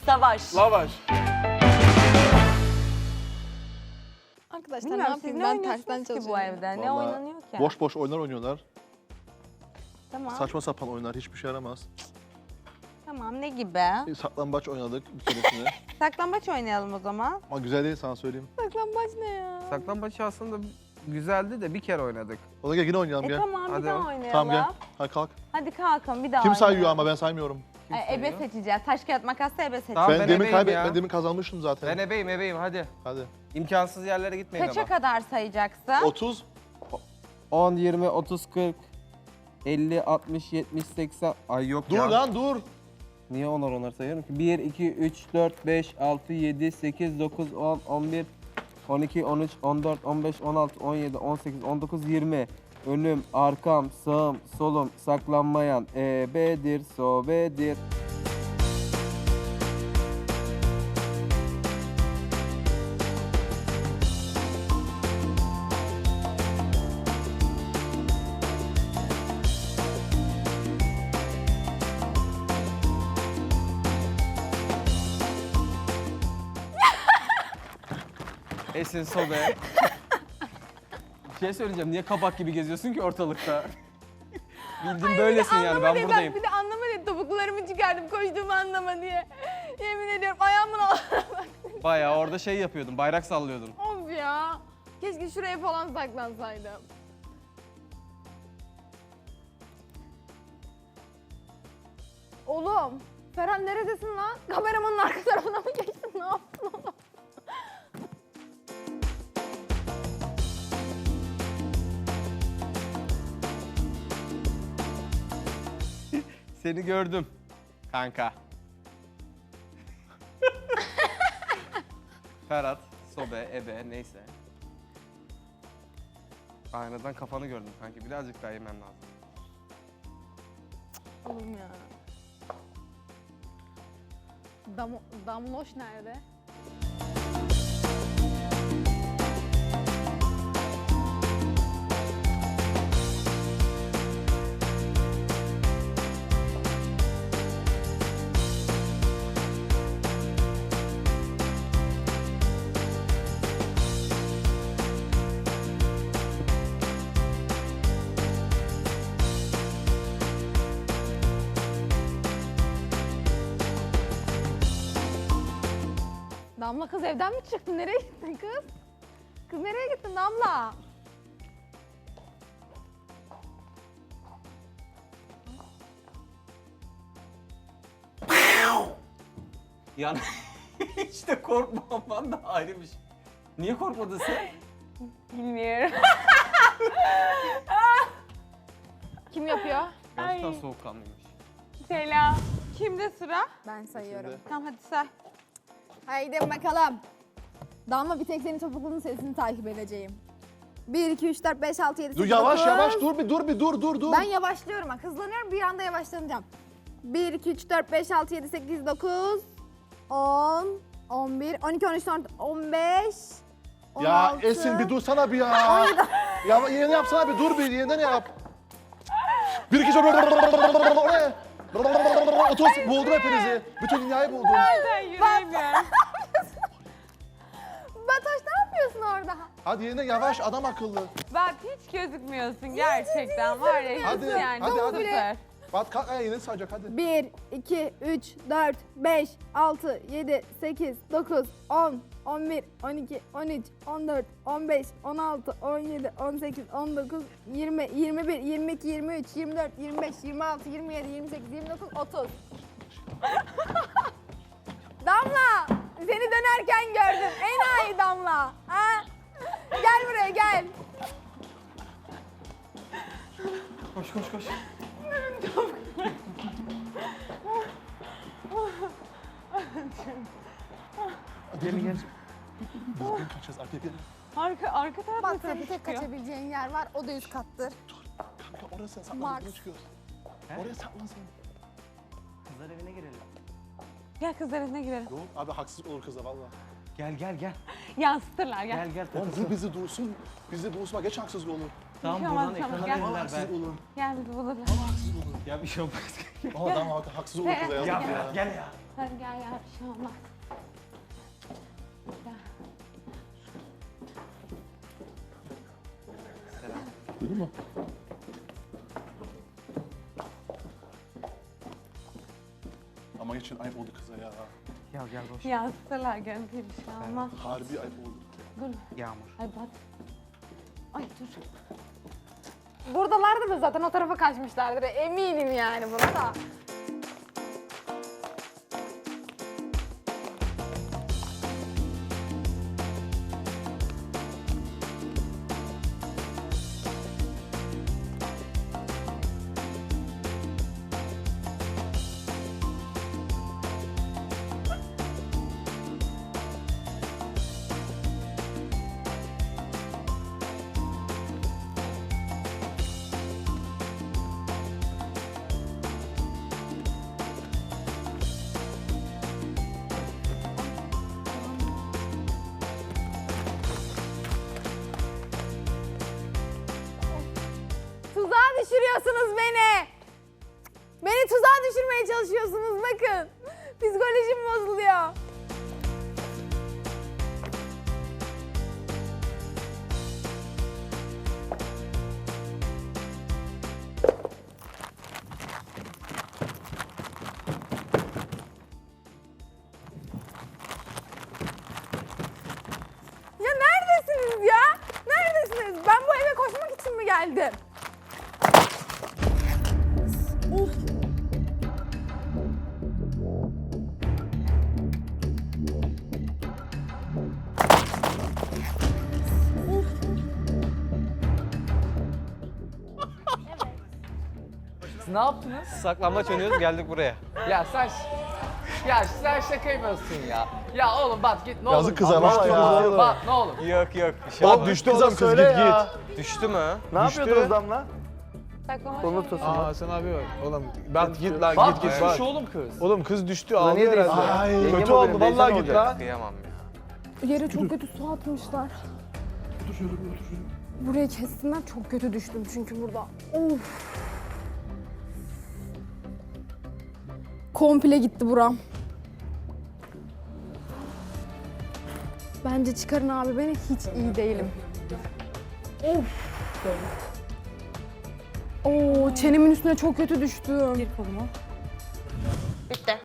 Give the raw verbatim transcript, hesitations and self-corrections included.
Savaş. Lavaş. Arkadaşlar ne Bilmiyorum siz yapayım ne ben tersten oynuyorsunuz ki bu çalışıyorum. evde? Ne Vallahi oynanıyor ki? Boş boş oyunlar oynuyorlar. Tamam. Saçma sapan oyunlar, hiçbir şey yaramaz. Tamam ne gibi? Saklambaç oynadık bir keresinde. Saklambaç oynayalım o zaman. Ama güzel değil, sana söyleyeyim. Saklambaç ne ya? Saklambaç aslında güzeldi de bir kere oynadık. O da gel yine oynayalım E gel. tamam Hadi. bir daha oynayalım. Tamam gel. Hadi kalk. Hadi kalkın bir daha Kim oynayalım. sayıyor ama ben saymıyorum. Kim Ay, ebe sayıyor? seçeceğiz. Taş kağıt makasla ebe seçeceğiz. Tamam, ben, ben demin ebeyim kaybet, ya. ben demin kazanmıştım zaten. Ben ebeyim ebeyim hadi. Hadi. İmkansız yerlere gitmeyin Kaça ama. kadar sayacaksın? otuz. on, yirmi, otuz, kırk, elli, altmış, yetmiş, seksen. Ay yok Dur ya. lan dur. Niye onar onar sayıyorum ki? bir, iki, üç, dört, beş, altı, yedi, sekiz, dokuz, on, on bir, on iki, on üç, on dört, on beş, on altı, on yedi, on sekiz, on dokuz, yirmi. Önüm, arkam, sağım, solum, saklanmayan, ebedir, sobedir. Esin sobe. Bir şey söyleyeceğim. Niye kabak gibi geziyorsun ki ortalıkta? Bildiğin böylesin yani. Ben buradayım. Bir de anlama diye topuklarımı çıkardım koştuğumu anlama diye. Yemin ediyorum ayağımın altına bak. Bayağı orada şey yapıyordun. Bayrak sallıyordun. Of ya. Keşke şuraya falan saklansaydım. Oğlum, Ferhan neredesin lan? Kameramanın arka tarafına mı geçtin? Ne yaptın oğlum? Seni gördüm. Kanka. Ferhat, sobe, ebe neyse. Aynadan kafanı gördüm kanki. Birazcık daha yemen lazım. Oğlum ya. Dam Damloş nerede? Damla kız evden mi çıktın? Nereye gittin kız? Kız nereye gittin Damla? Yani hiç de korkmaman da ayrı bir şey. Niye korkmadın sen? Bilmiyorum. Kim yapıyor? Gerçekten soğukkanlıymış. Selam. Kimde sıra? Ben sayıyorum. Tamam hadi say. Haydi bakalım. Damla bir tek senin topuklunun sesini takip edeceğim. bir, iki, üç, dört, beş, altı, yedi, Dur sekiz, yavaş dokuz. yavaş dur bir dur bir dur dur dur. Ben yavaşlıyorum bak. Hızlanıyorum bir anda yavaşlanacağım. bir, iki, üç, dört, beş, altı, yedi, sekiz, dokuz, on, on bir, on iki, on üç, on dört, on beş, on Ya altı. Esin bir dursana bir ya. Ya yeni yapsana bir dur bir yeniden yap. Bir iki oraya. Otuz buldum hepinizi. Bütün dünyayı buldum. Ben yürüyemiyorum. Batoş ne yapıyorsun orada? Hadi yeniden yavaş adam akıllı. Bak hiç gözükmüyorsun gerçekten var ya. Hadi, hiç yani hadi, hadi. süper. Bak kalk ayağa yeni sayacak hadi. bir, iki, üç, dört, beş, altı, yedi, sekiz, dokuz, on, on bir, on iki, on üç, on dört, on beş, on altı, on yedi, on sekiz, on dokuz, yirmi, yirmi bir, yirmi iki, yirmi üç, yirmi dört, yirmi beş, yirmi altı, yirmi yedi, yirmi sekiz, yirmi dokuz, otuz. Damla, seni dönerken gördüm. Enayi Damla. Ha? Gel buraya gel. Koş koş koş. Gel gel. Biz kaçacağız arkaya gel. Arka, arka tarafta Bak tabii bir tek çıkıyor. kaçabileceğin yer var. O da üst kattır. Kanka orası saklan Max. biz çıkıyoruz. Oraya saklan sen. Kızlar evine girelim. Gel kızlar evine girelim. Yok abi haksızlık olur kıza valla. Gel gel gel. Yansıtırlar gel. Gel gel. Oğlum bu bizi dursun. Bizi bulsun geç haksızlık olur. Tamam Bir şey buradan olmaz, tamam, ekrana gel. verirler Haksızlık ben. olur. Gel bizi bulurlar. Valla haksızlık olur. Ya bir şey olmaz. Ama adam haksız olur kıza Gel, yazık Ya ya. gel ya. Hadi gel ya bir şey olmaz. Gel. Duydun mu? Ama geçin ayıp oldu kıza ya. Ya gel boş. Yazsalar görüntüyü bir şey olmaz. Harbi ayıp oldu. Dur. Yağmur. Ay bak. Ay dur. Buradalardı da zaten o tarafa kaçmışlardır. Eminim yani buna da. Tuzağa düşürüyorsunuz beni. Beni tuzağa düşürmeye çalışıyorsunuz bakın. Psikolojim bozuluyor. Ya neredesiniz ya? Neredesiniz? Ben bu eve koşmak için mi geldim? Of. Siz ne yaptınız? Saklambaç oynuyoruz geldik buraya. Ya sen ya sen şaka yapıyorsun ya. Ya oğlum bak git ne olur. Yazık kıza, Allah vallahi aşkına. ya. Bak ne olur. Yok yok bir şey Oğlum olmaz. düştü kızım kız git git. Düştü mü? Ne yapıyordunuz Damla? Saklama Kolunu şey. tutun. Aa sen abi bak. Oğlum ben git lan Bak git git düşmüş bak. oğlum kız. Oğlum kız düştü Ulan niye ağlıyor değilsin? herhalde. Ay, Yengem Kötü oluyorum, oldu vallahi teyzem git olacak. lan. Kıyamam ya. Yere çok kötü su atmışlar. Otur şöyle bir otur şöyle. Buraya kessinler, çok kötü düştüm çünkü burada. Of. Komple gitti buram. Bence çıkarın abi beni, hiç iyi değilim. Of. Oo, çenemin üstüne çok kötü düştüm. Bitti.